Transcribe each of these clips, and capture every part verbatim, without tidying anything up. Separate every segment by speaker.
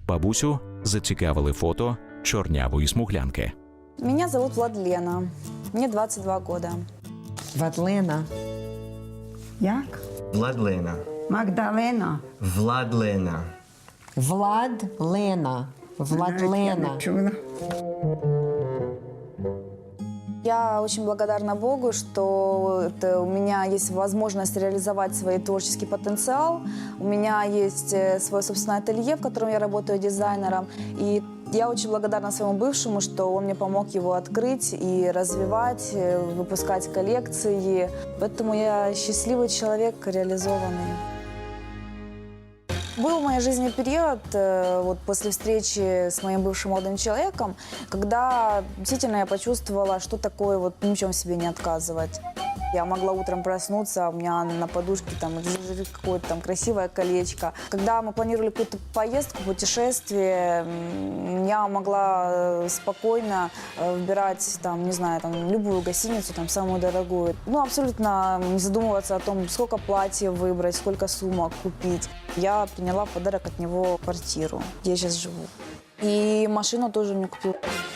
Speaker 1: бабусю зацікавили фото чорнявої смуглянки.
Speaker 2: Меня зовут Владлена. Мне двадцать два года.
Speaker 3: Владлена.
Speaker 4: Як?
Speaker 5: Владлена.
Speaker 4: Магдалена.
Speaker 5: Владлена.
Speaker 3: Владлена.
Speaker 4: Я
Speaker 3: Владлена.
Speaker 4: не чула.
Speaker 2: Я очень благодарна Богу, что это у меня есть возможность реализовать свой творческий потенциал. У меня есть э, свое собственное ателье, в котором я работаю дизайнером. И я очень благодарна своему бывшему, что он мне помог его открыть и развивать, э, выпускать коллекции. Поэтому я счастливый человек, реализованный. Был в моей жизни период, э, вот после встречи с моим бывшим молодым человеком, когда действительно я почувствовала, что такое вот ни в чем себе не отказывать. Я могла утром проснуться, у меня на подушке там лежит какое-то там красивое колечко. Когда мы планировали какую-то поездку, путешествие, м, я могла э, спокойно э, выбирать там, не знаю, там любую гостиницу, там самую дорогую. Ну, абсолютно не задумываться о том, сколько платьев выбрать, сколько сумок купить. Я приняла в подарок от него квартиру, где я сейчас живу. И машину тоже мне купила.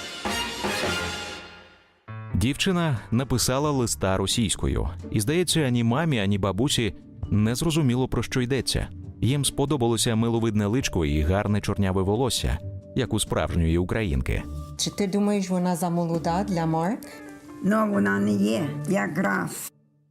Speaker 1: Дівчина написала листа російською. І, здається, ані мамі, ані бабусі не зрозуміло, про що йдеться. Їм сподобалося миловидне личко і гарне чорняве волосся, як у справжньої українки.
Speaker 3: Чи ти думаєш, вона замолода для Марк?
Speaker 4: Ну, вона не є. Якраз.